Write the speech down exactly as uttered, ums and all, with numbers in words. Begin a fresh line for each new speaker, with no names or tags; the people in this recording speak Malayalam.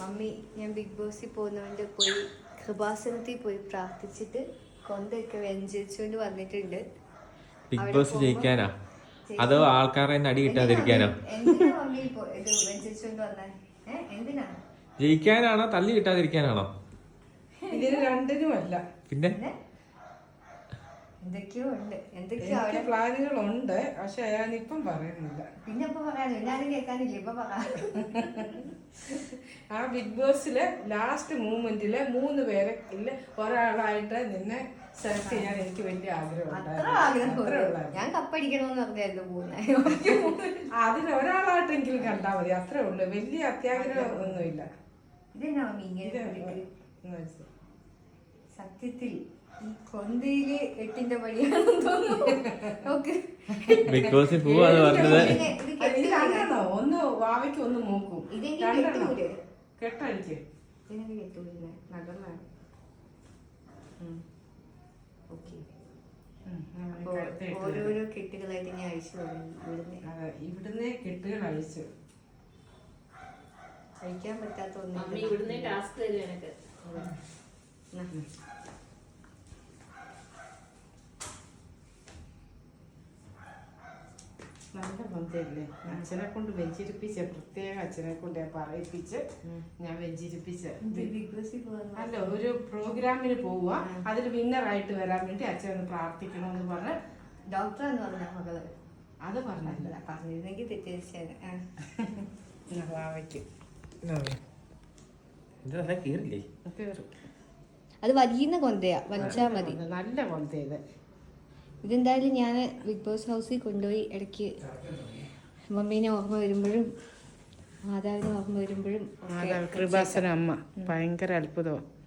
മമ്മി ഞാൻ ബിഗ് ബോസിൽ പോകുന്നതുകൊണ്ട് പോയി കൃപാസനത്തിൽ പോയി പ്രാർത്ഥിച്ചിട്ട് കൊണ്ടൊക്കെ വ്യഞ്ചരിച്ചുകൊണ്ട് വന്നിട്ടുണ്ട്.
ബിഗ് ബോസ് ജയിക്കാനാ അതോ ആൾക്കാരെ അടി കിട്ടാതിരിക്കാനോ?
എന്തിനാ മമ്മി ഇത് വ്യഞ്ചരിച്ചുകൊണ്ട് വന്നേ? എന്തിനാ?
ജയിക്കാനാണോ തല്ലി കിട്ടാതിരിക്കാനാണോ?
ഇതിന് രണ്ടിനുമല്ല.
പിന്നെ
എന്തൊക്കെയോ ഉണ്ട്, എന്തൊക്കെയോ അവിടെ
പ്ലാനുകളുണ്ട്. പക്ഷെ ഞാനിപ്പം പറയുന്നില്ല.
പിന്നെ ഇപ്പൊ പറയാനോ, ഞാനും കേൾക്കാനില്ല, ഇപ്പൊ പറയാം.
ആ ബിഗ് ബോസിലെ ലാസ്റ്റ് മൂമെന്റില് മൂന്ന് പേരെ ഇല്ല ഒരാളായിട്ട് നിന്നെ സെലക്ട് ചെയ്യാൻ എനിക്ക് വലിയ
അത്ര ആഗ്രഹം. ഞാൻ കപ്പടിക്കണമെന്ന് പറഞ്ഞായിരുന്നു പോകുന്നത്.
അതിൽ ഒരാളായിട്ടെങ്കിലും കണ്ടാൽ മതി, അത്രേ ഉള്ളു. വലിയ അത്യാഗ്രഹം ഒന്നുമില്ല.
ഇതെന്നാ മമ്മി ഇങ്ങനെ? സത്യത്തിൽ ഈ കൊന്തയില് എട്ടിന്റെ പണിയാണെന്ന് തോന്നുന്നു.
ബിഗ് ബോസിൽ പോവാന്ന് പറഞ്ഞത്
രണ്ടെണ്ണോ? ഒന്ന് വാവയ്ക്ക് ഒന്ന് മൂക്കും. കെട്ടഴിക്ക്.
ഓരോരോ കെട്ടുകളായിട്ട് ഞാൻ അഴിച്ചു തുടങ്ങി.
ഇവിടുന്ന് കെട്ടുകൾ അഴിച്ചു.
കഴിക്കാൻ പറ്റാത്ത ഒന്നും
നല്ല കൊന്തയല്ലേ? അച്ഛനെ കൊണ്ട് വെഞ്ചിരിപ്പിച്ച, പ്രത്യേക അച്ഛനെ കൊണ്ട് പറയിപ്പിച്ച് ഞാൻ വെഞ്ചിരിപ്പിച്ച. അല്ല, ഒരു പ്രോഗ്രാമിന് പോവുക, അതിൽ വിന്നറായിട്ട് വരാൻ വേണ്ടി അച്ഛൻ ഒന്ന് പ്രാർത്ഥിക്കണമെന്ന് പറഞ്ഞ്
ഡോക്ടർ എന്ന് പറഞ്ഞ മകള്
അത് പറഞ്ഞില്ല.
പറഞ്ഞിരുന്നെങ്കിൽ തെറ്റിദ്ധരിച്ചേനെ.
വാവയ്ക്ക്
അത് വലിയ കൊന്തയാ, വലിച്ചാ മതി.
നല്ല കൊന്തയത്.
ഇതെന്തായാലും ഞാൻ ബിഗ് ബോസ് ഹൗസിൽ കൊണ്ടുപോയി ഇടയ്ക്ക് മമ്മീനെ ഓർമ്മ വരുമ്പോഴും മാതാവിനെ ഓർമ്മ വരുമ്പോഴും
കൃപാസന അമ്മ ഭയങ്കര അത്ഭുതമാണ്.